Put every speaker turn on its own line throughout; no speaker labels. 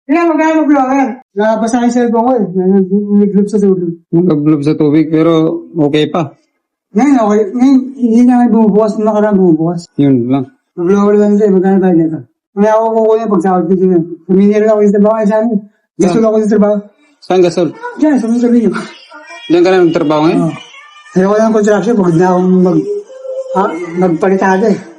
Kaya mag-blower. Nakabasa yung cellphone ko eh. Nag-globe sa tubig.
Nag-globe sa tubig, pero okay pa.
Ngayon, okay. Ngayon, hindi na bumubukas. Nakaraan bumubukas.
Yun lang.
Mag-blower lang siya. Magkano tayo nito? Kaya ako kukunin pag sahod ko dito. Kuminira ako yung trabaho. Ay, sabi, gusto ako yung trabaho.
Saan gasol?
Diyan, sa mga sabi niyo.
Diyan ka na nagtrabaho ngayon?
Oo. Ayoko lang ng construction. Pagod na akong magpalitado eh.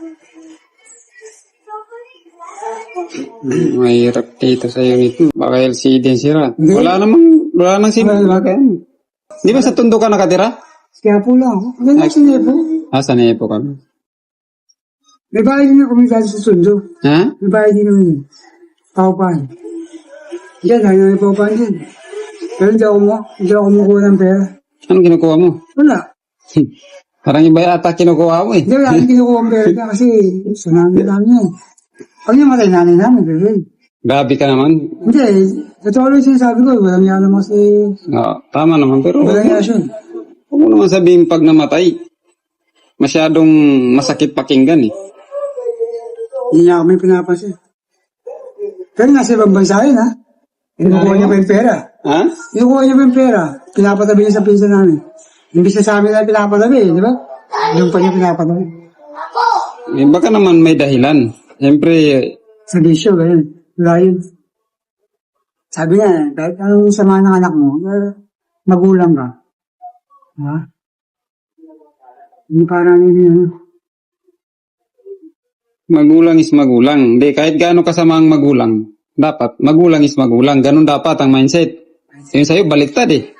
Mahirap dito sa unit. Baka LCD ang sira. Wala namang sira. Di ba sa Tondo ka nakatira?
Kaya po lang ako. Hanggang na sinepo.
Sa Nepo kami.
May bahay din ako kumikado sa Sundo.
Ha?
May bahay din naman yun. Paupahan. Diyan, lagi na may paupahan din. Pero hindi ako kumukuha ng pera.
Anong kinukuha mo?
Wala.
Parang iba yata kinukuha mo eh.
Hindi, wala akong kinukuha ng pera kasi sa namin namin yan. Pag namatay nanay namin, pero
Gabi ka naman.
hindi, totoo lang sinasabi ko, walang yan naman kasi,
Tama naman, pero
walang yan siya.
huwag mo naman sabihin pag namatay. Masyadong masakit pakinggan eh.
Hindi niya kami pinapansin. Pero nasa ibang bansa yun, ha? Kinukuha niya pa yung pera.
Ha?
Kinukuha niya pa yung pera. Pinapatabi niya sa pinsan namin. Imbis na sa amin na pinapatabi, di ba? Yung pa niya pinapatabi.
Eh, baka naman may dahilan. Siyempre,
Sa bisyo, ganyan. Wala yun. Sabi niya, kahit anong sama ng anak mo, magulang ka. Ha? Hindi parang yun.
magulang is magulang. Hindi, kahit gaano kasama ang magulang, dapat, magulang is magulang. Ganun dapat ang mindset. Yung sa'yo, baliktad eh.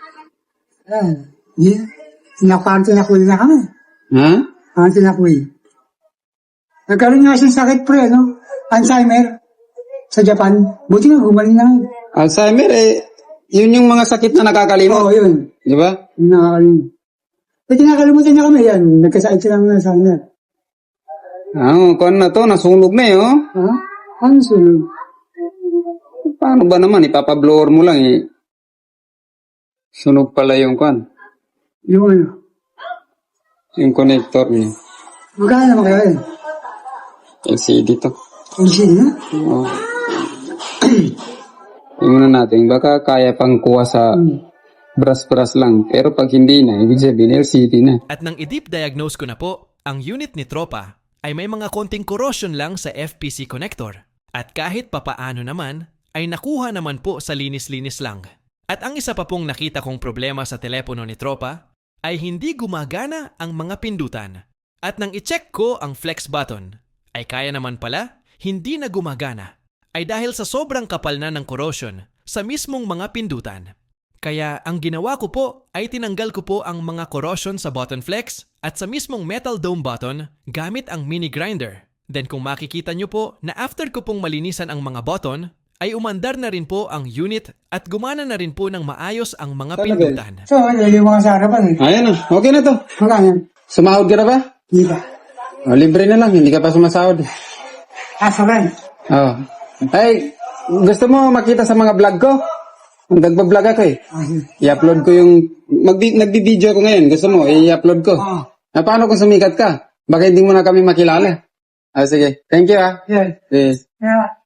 Parang tinakuy na kami.
Ha?
Parang tinakuy. Nagkaroon nga siyang sakit pre, no? Alzheimer. Sa Japan. Buti nga, gumaling na.
Alzheimer eh, yun yung mga sakit na nakakalimot.
Oo, yun.
Di ba?
Yung nakakalimut. Pati nakakalimutan niya kami yan. Nagkasakit siya ng Alzheimer.
Kuwan na to, nasunog na eh, oh.
Ha? Ano sunod?
Paano ba naman, ipapablower mo lang eh. Sunog pala yung kuwan.
Yung ano?
Yung connector niya.
Magkano naman kaya yun?
LCD to.
Engine na?
Oo. Tingnan natin, baka kaya pang kuha sa brass lang. Pero pag hindi na, ibig sabihin LCD na.
At nang i-deep diagnose ko na po, ang unit ni Tropa ay may mga konting corrosion lang sa FPC connector. At kahit papaano naman, ay nakuha naman po sa linis-linis lang. At ang isa pa pong nakita kong problema sa telepono ni Tropa ay hindi gumagana ang mga pindutan. At nang i-check ko ang flex button, ay kaya naman pala hindi na gumagana. Ay dahil sa sobrang kapal na ng corrosion sa mismong mga pindutan. Kaya ang ginawa ko po ay tinanggal ko po ang mga corrosion sa button flex at sa mismong metal dome button gamit ang mini grinder. Then kung makikita nyo po na after ko pong malinisan ang mga button, ay umandar na rin po ang unit at gumana na rin po ng maayos ang mga pindutan.
So, yung mga sa harapan eh.
Ayan na, okay na to.
Magkano?
Sumahod ka na ba?
Hindi ba?
Libre na lang, hindi ka pa sumasahod.
Sa rent.
Oh. Ay, gusto mo makita sa mga vlog ko? Nagbablog ako eh. I-upload ko yung... Nagbi-video ko ngayon. Gusto mo, i-upload ko. Paano kung sumikat ka? Baka hindi mo na kami makilala. Sige. Thank you ah.
Yeah.
Yes.
Yeah.